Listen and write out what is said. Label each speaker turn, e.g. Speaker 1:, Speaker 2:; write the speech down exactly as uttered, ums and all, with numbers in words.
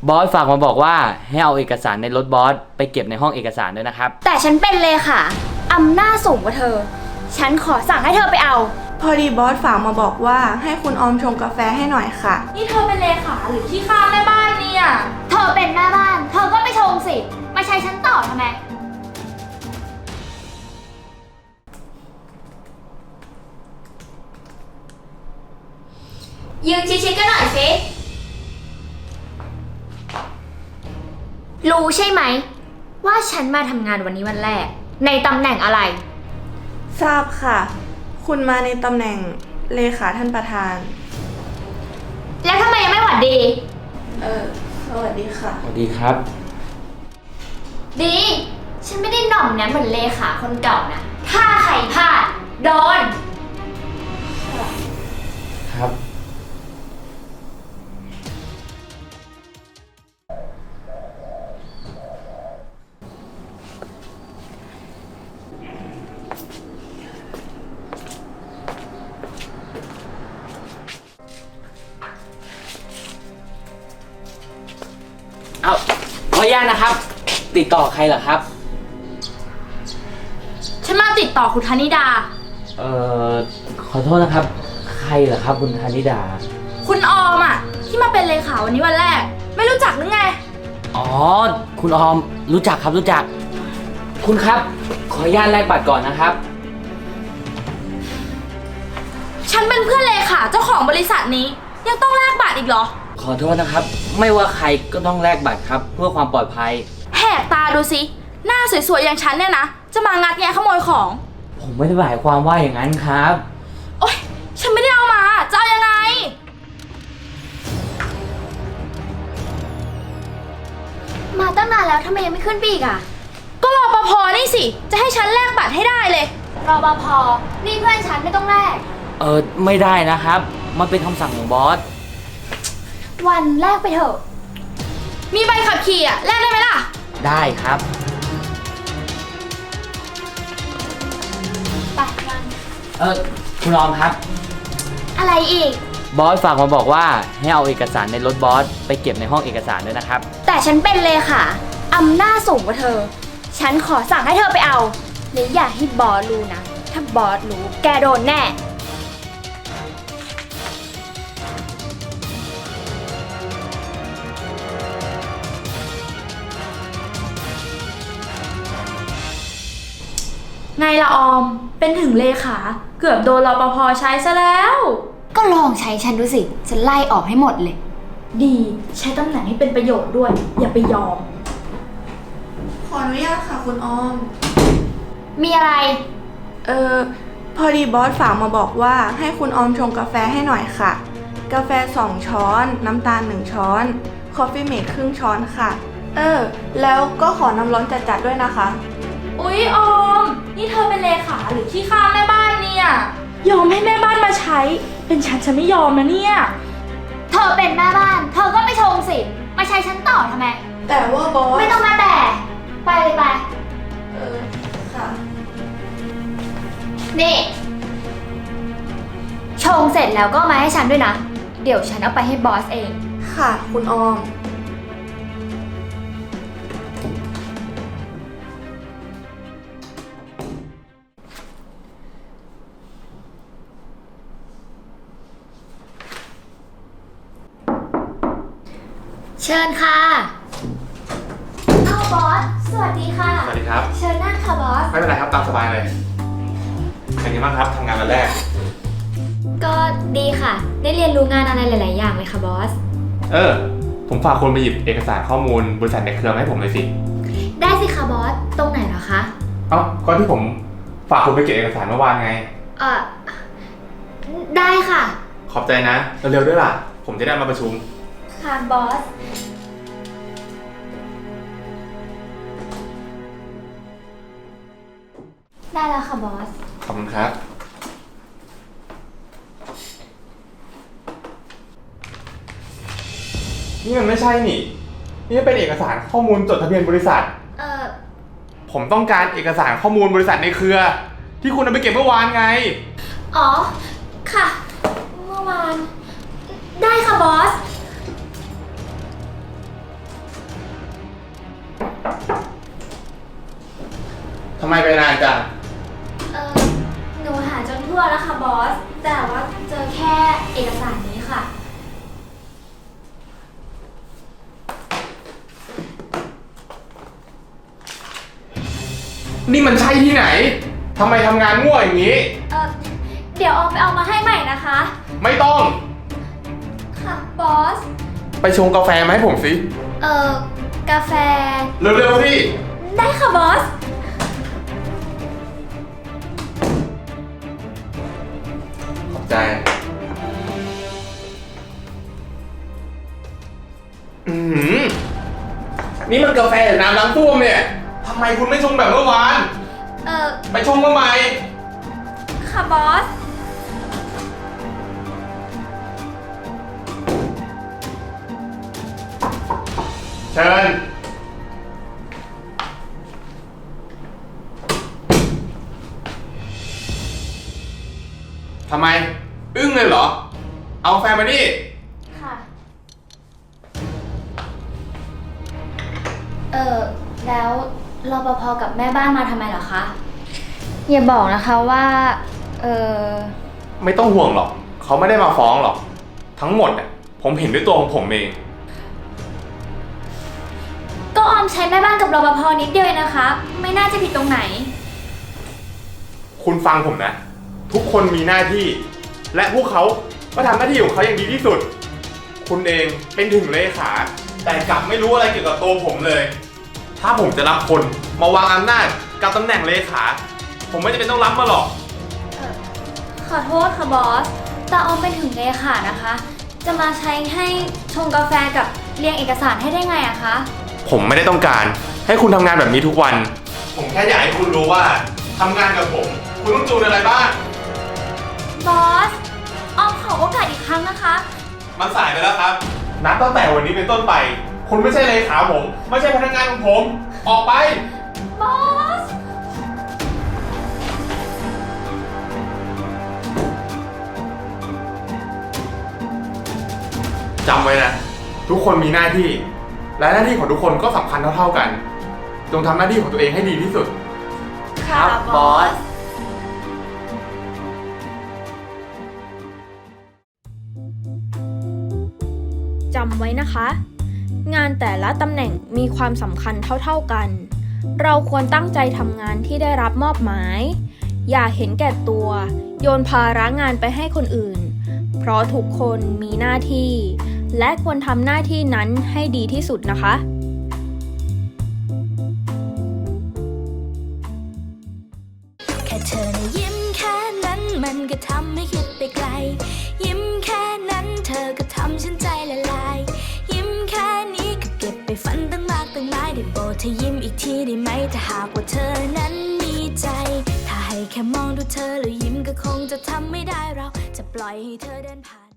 Speaker 1: บอสฝากมาบอกว่าให้เอาเอกสารในรถบอสไปเก็บในห้องเอกสารด้วยนะครับ
Speaker 2: แต่ฉันเป็นเลขาอำนาจสูงกว่าเธอฉันขอสั่งให้เธอไปเอา
Speaker 3: พอดีบอสฝากมาบอกว่าให้คุณออมชงกาแฟให้หน่อยค่ะ
Speaker 2: นี่เธอเป็นเลขาหรือที่ข้าแม่บ้านเนี่ยเธอเป็นแม่บ้านเธอก็ไปชงสิมาใช้ฉันต่อทำไมยืนชิดๆกันหน่อยสิรู้ใช่ไหมว่าฉันมาทำงานวันนี้วันแรกในตำแหน่งอะไร
Speaker 3: ทราบค่ะคุณมาในตำแหน่งเลขาท่านประธาน
Speaker 2: แล้วทำไมยังไม่หวัดดี
Speaker 3: เออสวัสดีค่ะ
Speaker 1: สวัสดีครับ
Speaker 2: ดีฉันไม่ได้หน่อมนะเหมือนเลขาคนเก่านะถ้าใครพลาดโดน
Speaker 1: ครับเอาขออนุญาตนะครับติดต่อใครเหรอครับ
Speaker 2: ฉันมาติดต่อคุณธนิดา
Speaker 1: เอ่อขอโทษนะครับใครเหรอครับคุณธนิดา
Speaker 2: คุณออมอ่ะที่มาเป็นเลขาวันนี้วันแรกไม่รู้จักหรือไง
Speaker 1: อ๋อคุณออมรู้จักครับรู้จักคุณครับขออนุญาตแลกบัตรก่อนนะครับ
Speaker 2: ฉันเป็นเพื่อนเลขาเจ้าของบริษัทนี้ยังต้องแลกบัตรอีกเหรอ
Speaker 1: ขอโทษนะครับไม่ว่าใครก็ต้องแลกบัตรครับเพื่อความปลอดภัย
Speaker 2: แหกตาดูสิหน้าสวยๆอย่างฉันเนี่ยนะจะมางัดแงะขโมยของ
Speaker 1: ผมไม่ได้หมายความว่าอย่างนั้นครับ
Speaker 2: โอ๊ยฉันไม่ได้เอามาจะเอายังไงมาตั้งนานแล้วทำไมยังไม่ขึ้นปีกอ่ะก็รปภนี่สิจะให้ฉันแลกบัตรให้ได้เลยรปภนี่เพื่อนฉันไม่ต้องแลก
Speaker 1: เออไม่ได้นะครับมันเป็นคำสั่งของบอส
Speaker 2: วันแรกไปเถอะมีใบขับขี่อ่ะแลกได้ไหมล่ะ
Speaker 1: ได้ครับ
Speaker 2: ไปวัน
Speaker 1: เออคุณออมครับ
Speaker 2: อะไรอีก
Speaker 1: บอสฝากมาบอกว่าให้เอาเอกสารในรถบอสไปเก็บในห้องเอกสารด้วยนะครับ
Speaker 2: แต่ฉันเป็นเลขาอำนาจสูงกว่าเธอฉันขอสั่งให้เธอไปเอาและอย่าให้บอสรู้นะถ้าบอสรู้แกโดนแน่ไงละออมเป็นถึงเลขาเกือบโดนรปภใช้ซะแล้วก็ลองใช้ฉันดูสิฉันไล่ออกให้หมดเลยดีใช้ตำแหน่งให้เป็นประโยชน์ด้วยอย่าไปยอม
Speaker 3: ขออนุญาตค่ะคุณออม
Speaker 2: มีอะไร
Speaker 3: เออพอดีบอสฝากมาบอกว่าให้คุณออมชงกาแฟให้หน่อยค่ะกาแฟสองช้อนน้ำตาลหนึ่งช้อนคอฟฟี่เมคครึ่งช้อนค่ะเออแล้วก็ขอน้ำร้อนจัดๆด้วยนะคะ
Speaker 2: อุ๊ยออมนี่เธอเป็นเลขาหรือที่ข้าแม่บ้านเนี่ยยอมให้แม่บ้านมาใช้เป็นฉันฉันไม่ยอมนะเนี่ยเธอเป็นแม่บ้านเธอก็ไปชงสิมาใช้ฉันต่อทำไม
Speaker 3: แต่ว่าบอส
Speaker 2: ไม่ต้องมาแต่ไปเลยไป
Speaker 3: เออค่ะ
Speaker 2: นี่ชงเสร็จแล้วก็มาให้ฉันด้วยนะเดี๋ยวฉันเอาไปให้บอสเอง
Speaker 3: ค่ะคุณออม
Speaker 2: เชิญค่ะอ้าวบอสสวัสดีค่ะ
Speaker 4: สวัสดีครับ
Speaker 2: เชิญนั่งค่ะบอส
Speaker 4: ไม่เป็นไรครับตามสบายเลยเป็นยังไงบ้างครับทำงานวันแรก
Speaker 2: ก็ดีค่ะได้เรียนรู้งานอะไรหลายๆอย่างเลยค่ะบอส
Speaker 4: เออผมฝากคนไปหยิบเอกสารข้อมูลบริษัทในเครือมาให้ผมเลยสิ
Speaker 2: ได้สิค่ะบอสตรงไหนเหรอคะ
Speaker 4: เอ้าก็ที่ผมฝากคุณไปเก็บเอกสารเมื่อวานไง
Speaker 2: เออได้ค่ะ
Speaker 4: ขอบใจนะเร็วๆด้วยล่ะผมจะได้มาประชุม
Speaker 2: ค่ะบอสได้แล้วค่ะบอส
Speaker 4: ขอบคุณครับนี่มันไม่ใช่นี่นี่เป็นเอกสารข้อมูลจดทะเบียนบริษัท
Speaker 2: เออ
Speaker 4: ผมต้องการเอกสารข้อมูลบริษัทในเครือ ที่คุณเอาไปเก็บเมื่อวานไง
Speaker 2: อ๋อค่ะเมื่อวานได้ค่ะบอส
Speaker 4: ทำไมไปนานจัง
Speaker 2: เออหนูหาจนทั่วแล้วค่ะบอส แต่ว่าเจอแค่เอกสารนี้ค่ะ
Speaker 4: นี่มันใช่ที่ไหน ทำไมทำงานง่วอย่างนี้
Speaker 2: เออเดี๋ยวออมไปเอามาให้ใหม่นะคะ
Speaker 4: ไม่ต้อง
Speaker 2: ค่ะบอส
Speaker 4: ไปชงกาแฟมาให้ผมสิ
Speaker 2: เออกาแฟ
Speaker 4: เร็วๆสิ
Speaker 2: ได้ค่ะบอส
Speaker 4: ขอบใจ อืมนี่มันกาแฟหรือน้ำล้างต้วมเนี่ย ทำไมคุณไม่ชงแบบเมื่อวาน
Speaker 2: เออ
Speaker 4: ไปชงมาใหม่
Speaker 2: ค่ะบอส
Speaker 4: เชิญ ทำไม อึ้งเลยเหรอ เอากาแฟมาดิ
Speaker 2: ค่ะ เออแล้วรปภกับแม่บ้านมาทำไมเหรอคะ อย่าบอกนะคะว่า เออ
Speaker 4: ไม่ต้องห่วงหรอก เขาไม่ได้มาฟ้องหรอก ทั้งหมดเนี่ยผมเห็นด้วยตัวของผมเอง
Speaker 2: ก็ออมใช้แม่บ้านกับรปภนิดเดียวเองนะคะ ไม่น่าจะผิดตรงไหน
Speaker 4: คุณฟังผมนะ ทุกคนมีหน้าที่ และพวกเขาก็ทำหน้าที่ของเขาอย่างดีที่สุด คุณเองเป็นถึงเลขา แต่กลับไม่รู้อะไรเกี่ยวกับตัวผมเลย ถ้าผมจะรับคนมาวางอำนาจกับตำแหน่งเลขา ผมไม่จำเป็นต้องรับมาหรอก
Speaker 2: ขอโทษค่ะบอส แต่ออมเป็นถึงเลขานะคะ จะมาใช้ให้ชงกาแฟกับเรียงเอกสารให้ได้ไงอะคะ
Speaker 4: ผมไม่ได้ต้องการให้คุณทำงานแบบนี้ทุกวัน ผมแค่อยากให้คุณรู้ว่าทำงานกับผม คุณต้องจูนอะไรบ้าง
Speaker 2: บอส ออมขอโอกาสอีกครั้งนะคะ
Speaker 4: มันสายไปแล้วครับ นับตั้งแต่วันนี้เป็นต้นไป คุณไม่ใช่เลขาผม ไม่ใช่พนักงานของผม ออกไป
Speaker 2: บอส
Speaker 4: จำไว้นะ ทุกคนมีหน้าที่ และหน้าที่ของทุกคนก็สำคัญเท่าๆกัน จงทำหน้าที่ของตัวเองให้ดีที่สุด
Speaker 1: ครับบอส
Speaker 5: จำไว้นะคะ งานแต่ละตำแหน่งมีความสำคัญเท่าๆกัน เราควรตั้งใจทำงานที่ได้รับมอบหมาย อย่าเห็นแก่ตัว โยนภาระงานไปให้คนอื่น เพราะทุกคนมีหน้าที่ และควรทำหน้าที่นั้นให้ดีที่สุดนะคะ
Speaker 6: แค่เธอนะยิ้มแค่นั้นมันก็ทำให้คิดไปไกล ยิ้มแค่นั้นเธอก็ทำฉันใจละลาย ยิ้มแค่นี้ก็เก็บไปฝันตั้งมากตั้งหลายได้โปรดเธอยิ้มอีกทีได้ไหมถ้าหากว่าเธอนั้นมีใจ ถ้าให้แค่มองดูเธอแล้วยิ้มก็คงจะทำไม่ได้เราจะปล่อยให้เธอเดินผ่าน